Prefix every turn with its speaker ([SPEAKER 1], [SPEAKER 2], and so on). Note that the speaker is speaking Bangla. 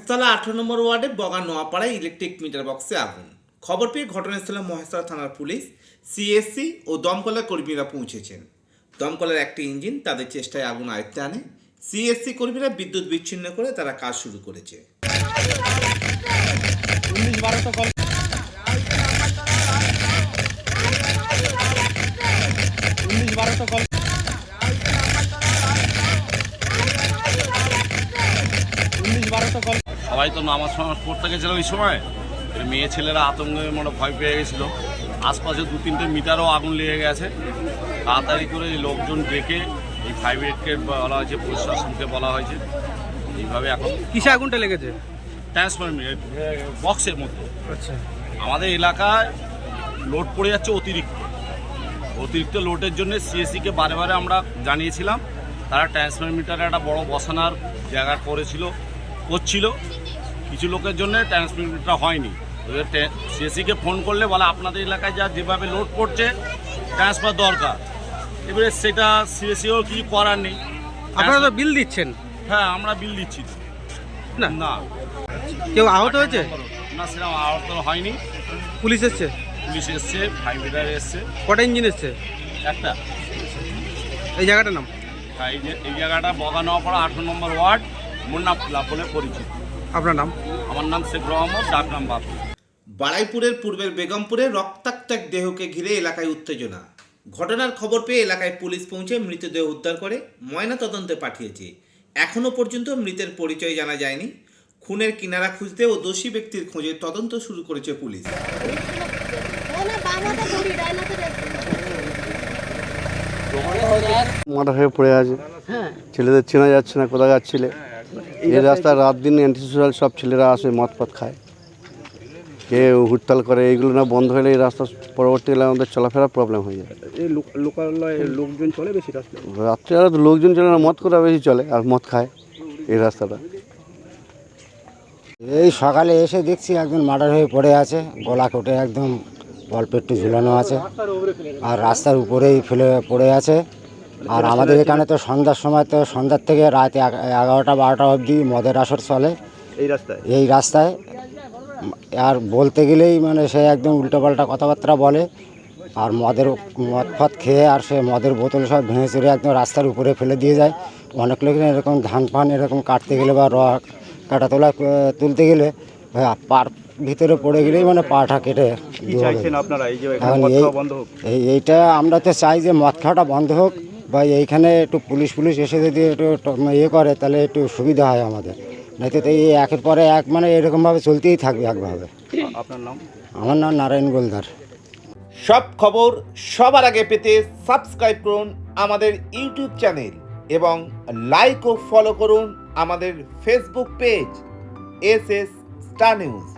[SPEAKER 1] মহেশতলা 18 নম্বর ওয়ার্ডে বগা নোয়াপাড়ায় ইলেকট্রিক মিটার বক্সে আগুন। খবর পেয়ে ঘটনাস্থলে মহেশতলা থানার পুলিশ, সিএসসি ও দমকলের কর্মীরা পৌঁছেছেন। দমকলের একটি ইঞ্জিন তাদের চেষ্টায় আগুন আয়ত্তে আনে। সিএসসি কর্মীরা বিদ্যুৎ বিচ্ছিন্ন করে তারা কাজ শুরু করেছে।
[SPEAKER 2] সবাই তো নামাজ ফামাজ পড়তে গেছিল ওই সময়, মেয়ে ছেলেরা আতঙ্কে মানে ভয় পেয়ে গেছিলো। আশপাশে 2-3টে মিটারও আগুন লেগে গেছে। তাড়াতাড়ি করে লোকজন ডেকে এই ফায়ার ব্রিগেডকে বলা হয়েছে, প্রশাসনকে বলা হয়েছে। এইভাবে এখন
[SPEAKER 3] কিসে আগুনটা লেগেছে?
[SPEAKER 2] ট্রান্সফরমার বক্সের মধ্যে।
[SPEAKER 3] আচ্ছা,
[SPEAKER 2] আমাদের এলাকায় লোড পড়ে যাচ্ছে অতিরিক্ত লোডের জন্য সিএসসিকে বারে বারে আমরা জানিয়েছিলাম। তারা ট্রান্সফরমিটারে একটা বড় বসানোর জায়গা করছিল। কিছু লোকের জন্য ট্রান্সফরমিটার হয়নি। সিএসসিকে ফোন করলে বলে আপনাদের এলাকায় যেভাবে লোড পড়ছে ট্রান্সফার দরকার। এবারে সেটা সিএসসিও কিছু করার নেই।
[SPEAKER 3] আপনারা তো বিল দিচ্ছেন।
[SPEAKER 2] হ্যাঁ, আমরা বিল দিচ্ছি
[SPEAKER 3] না
[SPEAKER 2] না।
[SPEAKER 3] কেউ আহত হয়েছে?
[SPEAKER 2] না, সেরকম আহত হয়নি।
[SPEAKER 3] পুলিশ এসছে?
[SPEAKER 2] পুলিশ এসছে, ফায়ার ব্রিগেড এসছে।
[SPEAKER 3] কটা ইঞ্জিন এসছে?
[SPEAKER 2] একটা।
[SPEAKER 3] এই জায়গাটার নাম?
[SPEAKER 2] এই জায়গাটা বগা নোয়াপাড়া 18 নম্বর ওয়ার্ড, মুন্না ক্লাব বলে পরিচিত।
[SPEAKER 3] আপনার নাম?
[SPEAKER 2] আমার নাম শেখ রহমত, ডাকনাম বাপু।
[SPEAKER 1] বাড়াইপুরের পূর্বের বেগমপুরে রক্তাক্ত এক দেহকে ঘিরে এলাকায় উত্তেজনা। ঘটনার খবর পেয়ে এলাকায় পুলিশ পৌঁছে মৃতদেহ উদ্ধার করে ময়নাতদন্তে পাঠিয়েছে। এখনও পর্যন্ত মৃতের পরিচয় জানা যায়নি। খুনের কিনারা খুঁজতে ও দোষী ব্যক্তির খোঁজে তদন্ত শুরু করেছে পুলিশ।
[SPEAKER 4] মাথা হয়ে পড়ে আছে, ছেলেদের চেনা যাচ্ছে না কোথায় যাচ্ছিলে। এই রাস্তায় রাত দিন অ্যান্টিসোশাল সব ছেলেরা আসে, মদ পথ খায়, কে হুড়তাল করে। এইগুলো না বন্ধ হলে এই রাস্তা পরবর্তীকালে আমাদের চলাফেরা প্রবলেম হয়ে যায়।
[SPEAKER 3] এই লোকালয়ে লোকজন চলে বেশি রাস্তায়?
[SPEAKER 4] রাত্রে আর লোকজন চলে না, মদ করা বেশি চলে আর মদ খায় এই রাস্তাটা।
[SPEAKER 5] এই সকালে এসে দেখছি একজন মার্ডার হয়ে পড়ে আছে, গলা কেটে একদম অল্প একটু ঝুলানো আছে, আর রাস্তার উপরেই ফেলে পড়ে আছে। আর আমাদের এখানে তো সন্ধ্যার থেকে রাত 11টা-12টা অবধি মদের আসর চলে এই রাস্তায়। আর বলতে গেলেই মানে সে একদম উল্টোপাল্টা কথাবার্তা বলে, আর মদ ফদ খেয়ে আর সে মদের বোতল সব ভেঙে চুরে একদম রাস্তার উপরে ফেলে দিয়ে যায়। অনেক লোক এরকম ধান ফান এরকম কাটতে গেলে বা কাটা তোলা তুলতে গেলে পার ভিতরে পড়ে গেলেই মানে পাটা কেটে। এইটা আমরা তো চাই যে মদ খাওয়াটা বন্ধ হোক, বা এইখানে একটু পুলিশ এসে যদি একটু ইয়ে করে তাহলে একটু সুবিধা হয় আমাদের। নয়তো তো এই একের পরে এক মানে এরকমভাবে চলতেই থাকবে একভাবে।
[SPEAKER 3] আপনার নাম?
[SPEAKER 5] আমার নাম নারায়ণ গোলদার।
[SPEAKER 1] সব খবর সবার আগে পেতে সাবস্ক্রাইব করুন আমাদের ইউটিউব চ্যানেল এবং লাইক ও ফলো করুন আমাদের Facebook page SS star news.